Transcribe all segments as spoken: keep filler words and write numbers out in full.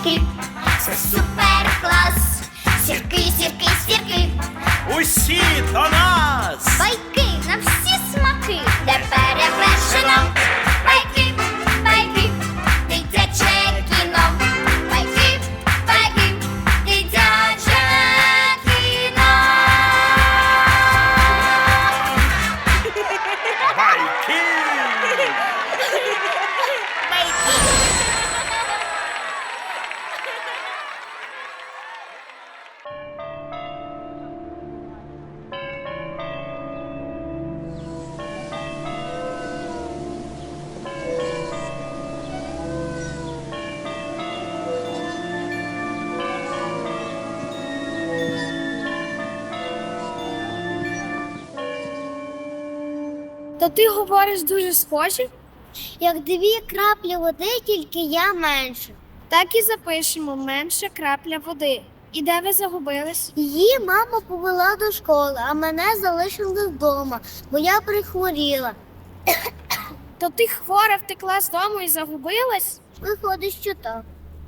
сірки, це супер клас. Сірки, сірки, сірки, Усі до нас! байки на всі смаки, де перевершено. Байки, байки, дитяче кіно. Байки, байки, дитяче кіно. Байки! Та ти говориш дуже схоже. Як дві краплі води, тільки я менше. Так і запишемо менше крапля води. І де ви загубились? Її мама повела до школи, а мене залишили вдома, бо я прихворіла. То ти хвора втекла з дому і загубилась? Виходить, що так.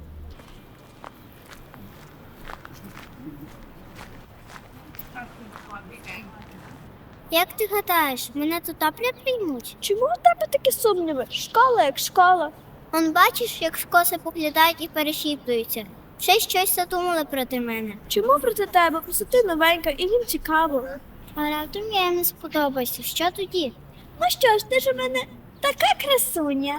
Як ти гадаєш, мене тут тапля приймуть? Чому у тебе такі сумніви? Школа як школа. Он бачиш, як скоси поглядають і перешіптуються. Ще щось задумали проти мене. Чому проти тебе? Просто ти новенька і їм цікаво. А раптом я їм не сподобаюся. Що тоді? Ну що ж, ти ж у мене така красуня.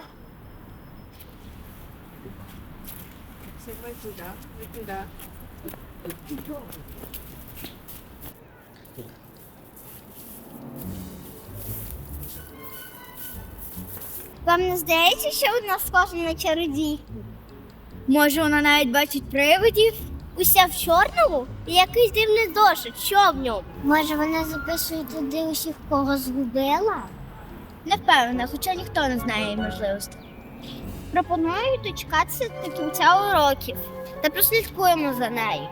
Вам не здається, що вона схожа на чародійку? Може, вона навіть бачить привидів? Уся в чорному? І якийсь дивний зошит. Що в ньому? Може, вона записує туди усіх, кого згубила? Не впевнена, хоча ніхто не знає її можливостей. Пропоную дочекатися до кінця уроків та прослідкуємо за нею.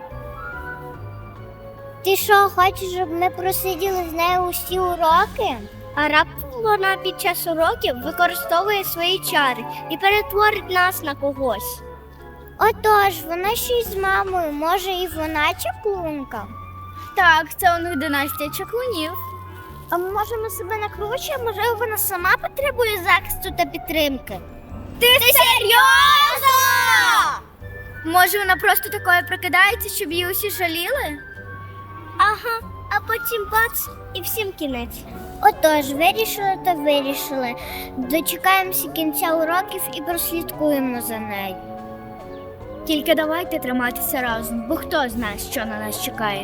Ти що, хочеш, щоб ми просиділи з нею усі уроки? А раптом вона під час уроків використовує свої чари і перетворить нас на когось. Отож, вона ще й з мамою, може і вона чаклунка? Так, це у них династія чаклунів. А ми можемо себе накручуємо, можливо, вона сама потребує захисту та підтримки. Ти, Ти серйозно? Може, вона просто такою прикидається, щоб її усі жаліли? Ага, а потім бац, і всім кінець. Отож, вирішили та вирішили. Дочекаємося кінця уроків і прослідкуємо за нею. Тільки давайте триматися разом, бо хто знає, що на нас чекає.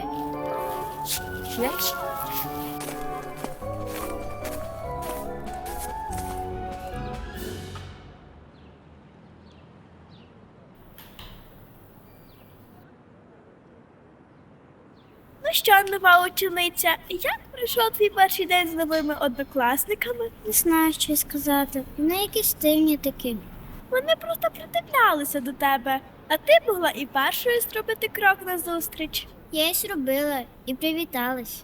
Ну що, нова учениця, як пройшов твій перший день з новими однокласниками? Не знаю, що й сказати. Вони якісь дивні такі. Вони просто придивлялися до тебе, а ти могла і першою зробити крок назустріч. Я їх робила і привіталась.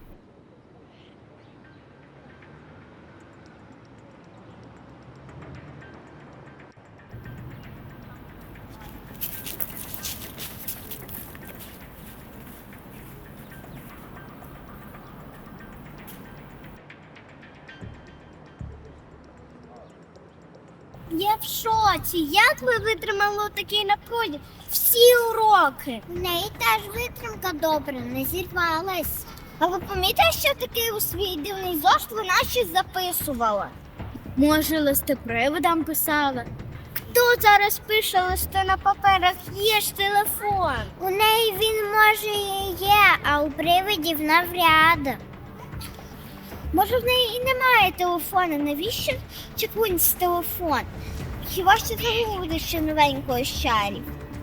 Я в шоці. Як ви витримали такий напруги? Всі уроки. У неї теж витримка добра, не зірвалась. А ви помітили, що таке у свій дивний зошит вона щось записувала? Може, листи привидам писала? Хто зараз пише листи на паперах? Є ж телефон. У неї він, може, і є, а у привидів навряд. Може, в неї і немає телефону. Навіщо чекунці телефон? Хіба що це буде ще новенької з чарів?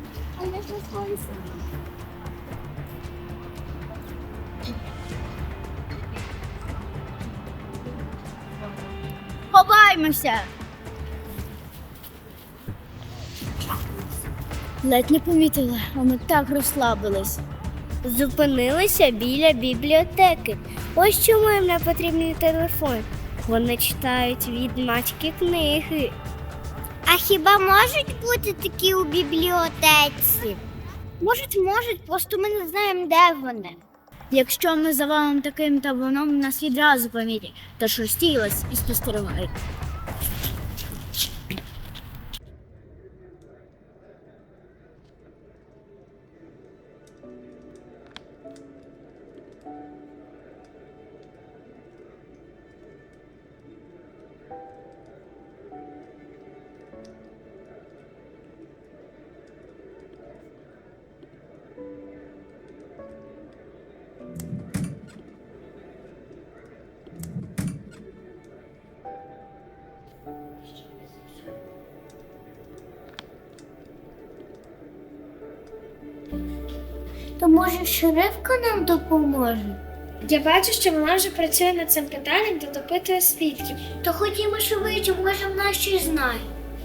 Ховаймося! Ледь не помітила, а ми так розслабились. Зупинилися біля бібліотеки. Ось чому їм не потрібний телефон. Вони читають відьмацькі книги. А А хіба можуть бути такі у бібліотеці? Можуть, можуть, просто ми не знаємо, де вони. Якщо ми завалимо таким табуном, нас відразу помітять, тож розтіялась і спостерігай. То може шерифка нам допоможе? Я бачу, що вона вже працює над цим питанням та допитує свідків. То ходімо швидше, може вона щось знає.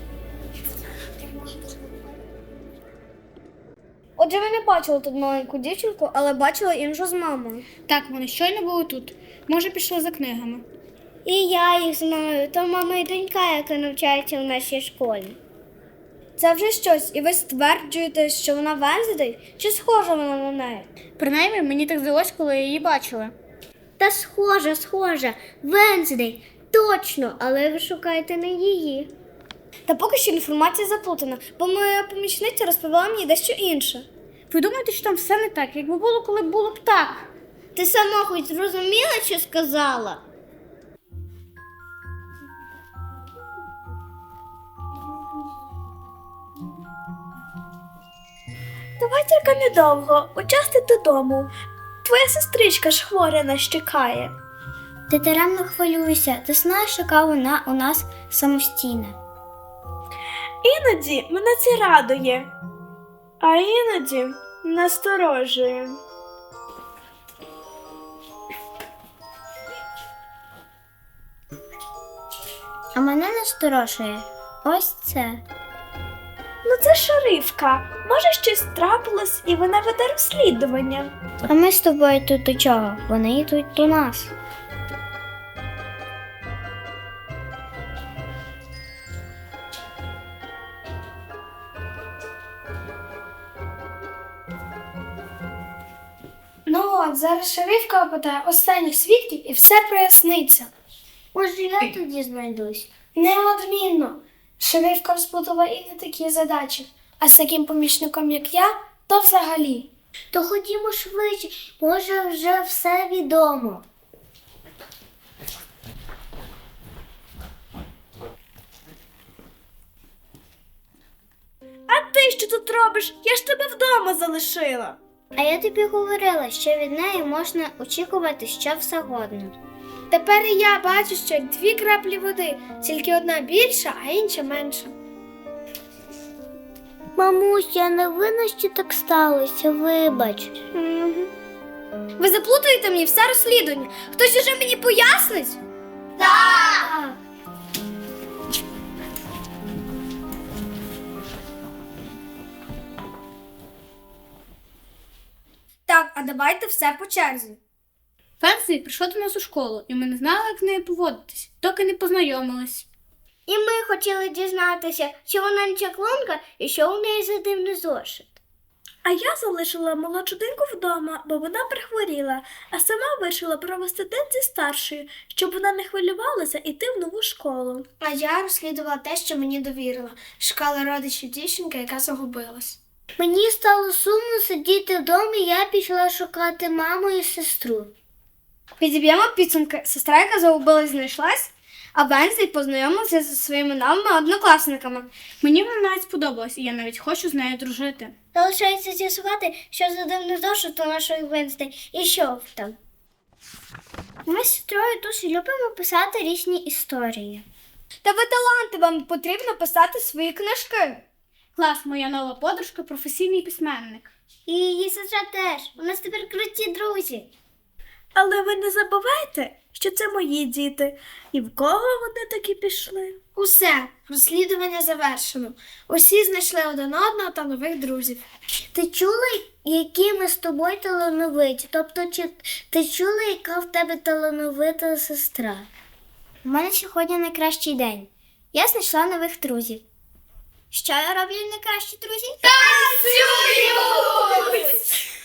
Отже, ми не бачили тут маленьку дівчинку, але бачили іншу з мамою. Так, вони щойно були тут. Може, пішли за книгами. І я їх знаю, то мама і донька, яка навчається в нашій школі. Це вже щось, і ви стверджуєте, що вона Венздей? Чи схожа вона на неї? Принаймні, мені так здалось, коли її бачили. Та схожа, схожа, Венздей, точно, але ви шукаєте не її. Та поки що інформація заплутана, бо моя помічниця розповіла мені дещо інше. Ви думаєте, що там все не так, якби було, коли було б так? Ти сама хоч зрозуміла, що сказала? Давай тільки недовго, участи додому. Твоя сестричка ж хворя нас чекає. Ти даремно хвилюйся, ти знаєш, яка вона у нас самостійна. Іноді мене це радує, а іноді насторожує. А мене насторожує ось це. Ну це шерифка. Може, щось трапилось і вона веде розслідування. А ми з тобою тут до чого? Вони йдуть до нас. Ну от, зараз шерифка опитає останніх свідків і все проясниться. Може, я тоді знайдусь. Неодмінно. Шерифка розплутала і не такі задачі, а з таким помічником, як я, то взагалі. То ходімо швидше, може вже все відомо. А ти що тут робиш? Я ж тебе вдома залишила. А я тобі говорила, що від неї можна очікувати що завгодно. Тепер і я бачу, що як дві краплі води, тільки одна більша, а інша менша. Мамусь, я не винна, що так сталося, вибач. Ви заплутуєте мені все розслідування. Хтось уже мені пояснить? Так! Так, а давайте все по черзі. Фенсі прийшла до нас у школу, і ми не знали, як з нею поводитись, доки не познайомились. І ми хотіли дізнатися, чи вона не чаклунка і що у неї за дивний зошит. А я залишила молодшу доньку вдома, бо вона прихворіла, а сама вирішила провести день зі старшою, щоб вона не хвилювалася йти в нову школу. А я розслідувала те, що мені довірила. Шукала родичів дівчинки, яка загубилась. Мені стало сумно сидіти вдома, і я пішла шукати маму і сестру. Підіб'ємо підсумки. Сестра, яка загубилась, знайшлась, а Венздей познайомилася зі своїми новими однокласниками. Мені вона навіть сподобалась, і я навіть хочу з нею дружити. Залишається з'ясувати, що за дивний зошит у нашої Венздей і що там. Ми з сестрою дуже любимо писати різні історії. Та ви таланти, вам потрібно писати свої книжки. Клас, моя нова подружка – професійний письменник. І її сестра теж. У нас тепер круті друзі. Але ви не забувайте, що це мої діти. І в кого вони таки пішли? Усе, розслідування завершено. Усі знайшли один одного та нових друзів. Ти чула, які ми з тобою талановиті? Тобто, чи ти чула, яка в тебе талановита сестра? У мене сьогодні найкращий день. Я знайшла нових друзів. Що роблять найкращі друзі? Танцюють!